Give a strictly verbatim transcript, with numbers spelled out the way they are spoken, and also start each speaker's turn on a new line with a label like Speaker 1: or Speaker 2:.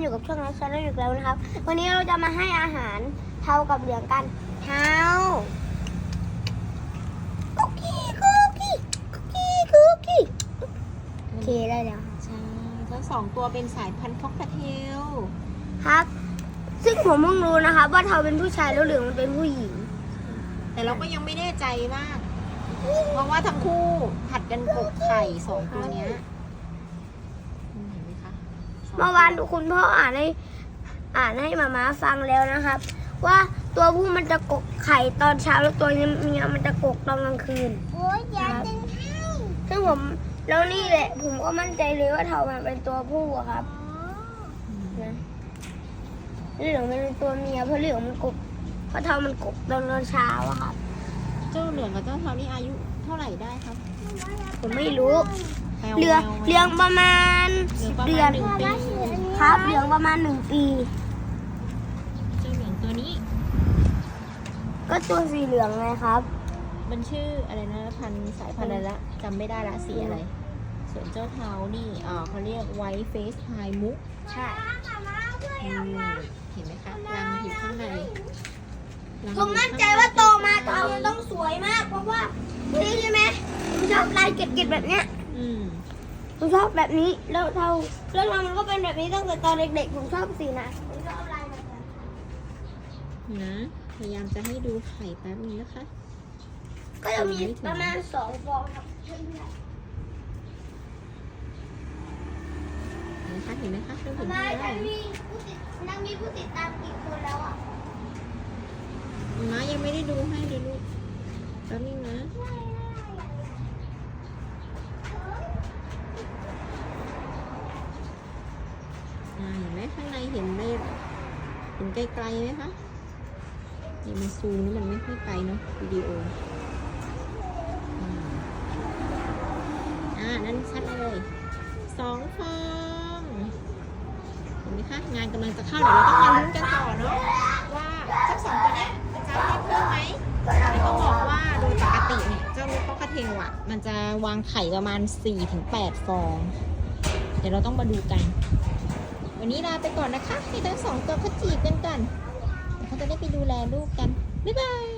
Speaker 1: อยู่กับช่องน้องชาแนลอีกแล้วนะครับวันนี้เราจะมาให้อาหารเทากับเหลืองกันเทาคุกกี้คุกกี้คุกกี้คุกกี้โอเคได้แล้ว
Speaker 2: ใช่ทั้งสองตัวเป็นสายพันธุ์ค็อกเทล
Speaker 1: ครับซึ่งผมเพิ่งรู้นะครับว่าเทาเป็นผู้ชายแล้วเหลืองมันเป็นผู้หญิง
Speaker 2: แต่เราก็ยังไม่แน่ใจมาก เพราะว่าทั้งคู่ผัดกันกกไข่สองตัวเนี้ยเห็นไหมคะ
Speaker 1: เมื่อวานคุณพ่ออ่านให้อ่านให้มาม่าฟังแล้วนะครับ ว่าตัวผู้มันจะกกไข่ตอนเช้าแล้วตัวเมียมันจะกกตอนกลางคืนโอ้ยอยากดึงให้ซึ่งผมแล้วนี่แหละผมก็มั่นใจเลยว่าเทามันเป็นตัวผู้อะครับนะเหลืองมันเป็นตัวเมียเพราะเหลืองมันกกเพราะเทามันกกตอนเช้าอะครับ
Speaker 2: เจ้าเหลืองกับเจ้าเทานี่อายุเท่าไหร่ได้ครับ
Speaker 1: ผมไม่รู้
Speaker 2: แปลว่า
Speaker 1: เหลืองเหลืองประมาณ
Speaker 2: เหลื
Speaker 1: สิ
Speaker 2: อง
Speaker 1: บ
Speaker 2: ประ
Speaker 1: เดื
Speaker 2: มา
Speaker 1: อ
Speaker 2: ณ
Speaker 1: น
Speaker 2: หนึ่งปี
Speaker 1: ครับเหลืองประมาณหนึ่งปี
Speaker 2: เจ้าเหลืองตัวนี้
Speaker 1: ก็ตัวสีเหลืองไงครับ
Speaker 2: มันชื่ออะไรนะพันธุ์สายพันธุ์อะไรละจำไม่ได้ละสีอะไร ส่วนเจ้าเทานี่เอ่อเขาเรียกไวท์เฟสไฮมุก
Speaker 1: ใช่
Speaker 2: อืมเห็นไหมคะรังอยู่ข้างในรัง
Speaker 1: ผมมั่นใจว่าโตมาเทามันต้องสวยมาก เพราะว่านี่ใช่ไหมผมชอบลายเกล็ดๆแบบเนี้ย
Speaker 2: อืม
Speaker 1: ผมชอบแบบนี้แล้วเทาแล้วเรามันก็เป็นแบบนี้ตั้งแต่ตอนเด็กๆผมชอบสีนะผมชอบลายแบบนั้น
Speaker 2: นะพยายามจะให้ดูไข่แป๊บนึงนะคะ
Speaker 1: ก็จะมีประมาณสองฟองครับเพื่อน
Speaker 2: นะคะเห็นไหมคะเริ่ม
Speaker 1: ๆ
Speaker 2: เห็น
Speaker 1: ทำไม
Speaker 2: ได้
Speaker 1: ฉันมีผู้ติดนังมีผู้ติดตามกี่คนแล้วอ่ะ
Speaker 2: ม้ายังไม่ได้ดูให้เลยลูกแป๊บนึงนะอ่าเห็นไหมข้างในเห็นได้เห็นไกลๆไหมคะนี่มันซูมนี่มันไม่ค่อยไกลเนาะวิดีโออืมอ่านั่นชัดเลยสองฟองเห็นไหมคะงานกำลังจะเข้าเดี๋ยวเราต้องมาลุ้นกันต่อเนาะว่าเจ้าสองตัวเนี้ยจะให้เพิ่มไหมแต่ต้องบอกว่าโดยปกติเนี่ยเจ้าลูกค็อกเทลอ่ะมันจะวางไข่ประมาณ สี่ถึงแปด ฟอง เดี๋ยวเราต้องมาดูกัน วันนี้ลาไปก่อนนะคะให้ทั้งสองตัวเขาจีบกันก่อนเดี๋ยวเขาจะได้ไปดูแลลูกกันบ๊ายบาย